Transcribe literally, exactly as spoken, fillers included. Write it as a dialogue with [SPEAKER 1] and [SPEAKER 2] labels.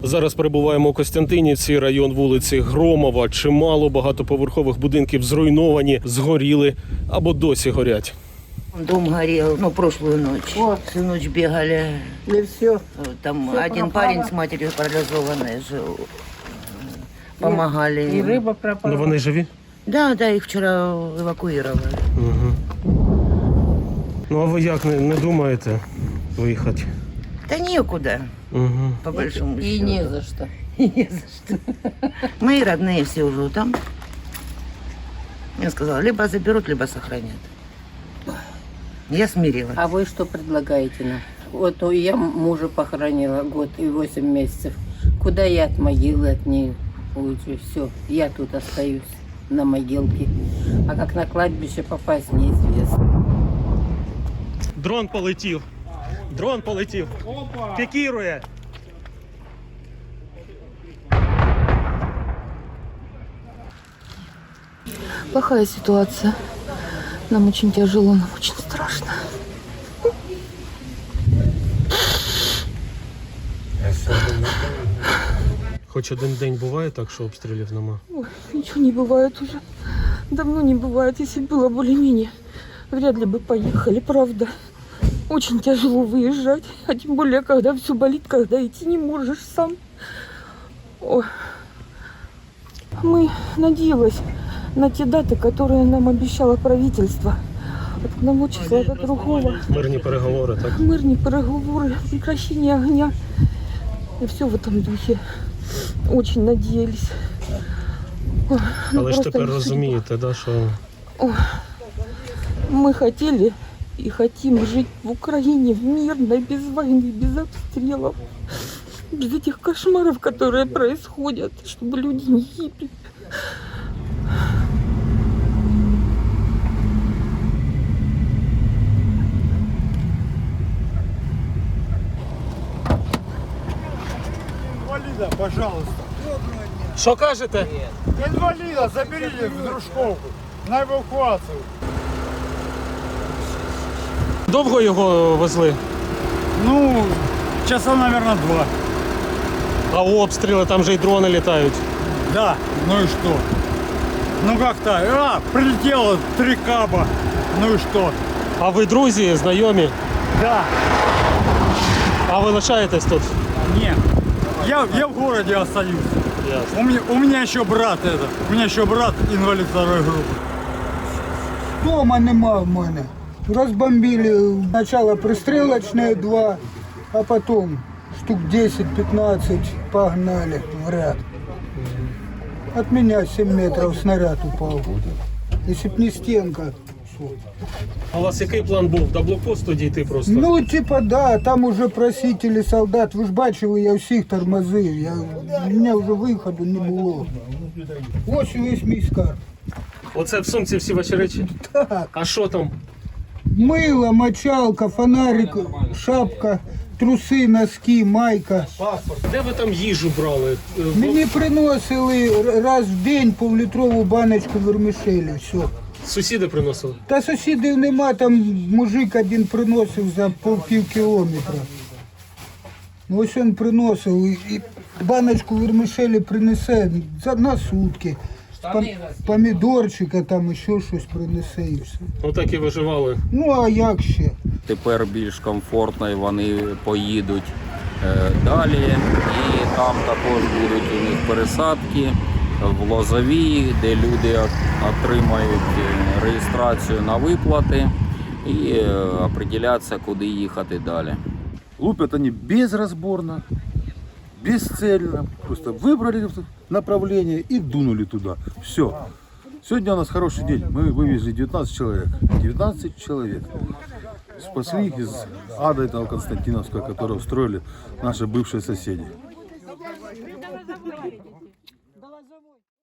[SPEAKER 1] Зараз перебуваємо у Костянтинівці, район вулиці Громова. Чимало багатоповерхових будинків зруйновані, згоріли або досі горять.
[SPEAKER 2] Дом горел, ну, прошлую ночь.
[SPEAKER 3] О.
[SPEAKER 2] Всю ночь бегали.
[SPEAKER 3] И все.
[SPEAKER 2] Там
[SPEAKER 3] Всё
[SPEAKER 2] один
[SPEAKER 3] пропало.
[SPEAKER 2] парень с матерью парализованной жил. Помогали.
[SPEAKER 3] И
[SPEAKER 2] им.
[SPEAKER 3] рыба пропала.
[SPEAKER 1] Ну вони живі?
[SPEAKER 2] Да, да, их вчера эвакуировали.
[SPEAKER 1] Угу. Ну а ви як, не, не думаєте виїхати?
[SPEAKER 2] Да некуда,
[SPEAKER 1] Угу.
[SPEAKER 2] по большому
[SPEAKER 3] И
[SPEAKER 2] счету.
[SPEAKER 3] не за что.
[SPEAKER 2] И не за что. Мои родные все уже там. Я сказала, либо заберут, либо сохранят. Я смирилась.
[SPEAKER 3] А вы что предлагаете нам? Вот у- я мужа похоронила год и восемь месяцев. Куда я от могилы от нее уйду? Все, я тут остаюсь на могилке. А как на кладбище попасть, неизвестно.
[SPEAKER 1] Дрон полетів. Дрон полетів. Пікірує.
[SPEAKER 4] Плохая ситуация. Нам очень тяжело, нам очень страшно.
[SPEAKER 1] Хоч один день буває так, що обстрілів нема.
[SPEAKER 4] Ой, ничего не бывает уже. Давно не бывает. Если было более-менее, вряд ли бы поехали, правда. Очень тяжело выезжать. А тем более, когда все болит, когда идти не можешь сам. Ой. Мы надеялись на те даты, которые нам обещало правительство. От одного числа до другого.
[SPEAKER 1] Мирні переговори, так?
[SPEAKER 4] Мирные переговоры, прекращение огня. И все в этом духе. Очень надеялись. Ой, ну
[SPEAKER 1] Але ж
[SPEAKER 4] просто
[SPEAKER 1] тепер
[SPEAKER 4] не
[SPEAKER 1] розумієте, да, що
[SPEAKER 4] судьба. Мы хотели и хотим жить в Украине в мирной, без войны, без обстрелов. Без этих кошмаров, которые происходят, чтобы люди не гибли.
[SPEAKER 5] Инвалида, пожалуйста.
[SPEAKER 1] Що кажете?
[SPEAKER 5] Инвалида заберите в Дружковку на эвакуацию.
[SPEAKER 1] Довго його везли?
[SPEAKER 5] Ну, часа, наверное, два.
[SPEAKER 1] А обстріли, там же й дрони літають.
[SPEAKER 5] Да, ну и что? Ну как-то, а, прилетело три каба. Ну и что?
[SPEAKER 1] А ви друзі, знайомі?
[SPEAKER 5] Да,
[SPEAKER 1] А ви лишаєтесь тут?
[SPEAKER 5] нет. Я, я в городе остаюсь.
[SPEAKER 1] Ясно.
[SPEAKER 5] У меня, у меня еще брат это. У меня еще брат инвалид второй группы.
[SPEAKER 6] Дома нема в мене. Розбомбили спочатку пристрілочне два, а потім штук десять-пятнадцать погнали в ряд. От меня семь метров снаряд упал. Если б не стенка.
[SPEAKER 1] А у вас який план був? До блокпосту дійти просто?
[SPEAKER 6] Ну, типа, да, там уже просители солдат. Ви ж бачили, я всіх тормозив. Я, у мене вже виходу не було. Ось весь мій скарб.
[SPEAKER 1] Оце в сумці всі ваші речі?
[SPEAKER 6] Так.
[SPEAKER 1] А що там?
[SPEAKER 6] Мыло, мочалка, фонарик, шапка, труси, носки, майка.
[SPEAKER 1] Де ви там їжу брали? Е, в-
[SPEAKER 6] Мені приносили раз в день півлітрову баночку вермішелі, все.
[SPEAKER 1] Сусіди приносили?
[SPEAKER 6] Та сусідів нема, там мужик один приносив за пів, пів кілометра. Ну, ось він приносив і, і баночку вермішелі принесе за, на сутки. Пом- помідорчика, там ще щось принесе і все.
[SPEAKER 1] Отак і виживали.
[SPEAKER 6] Ну, а як ще?
[SPEAKER 7] Тепер більш комфортно і вони поїдуть е, далі. І там також будуть у них пересадки в Лозовій, де люди от- отримають е, реєстрацію на виплати і е, определяться, куди їхати далі.
[SPEAKER 8] Лупят они безразборно, бесцельно. Просто выбрали направление и дунули туда. Все. Сегодня у нас хороший день. Мы вывезли девятнадцать человек. девятнадцать человек. Спасли их из ада этого Константиновского, которого устроили наши бывшие соседи.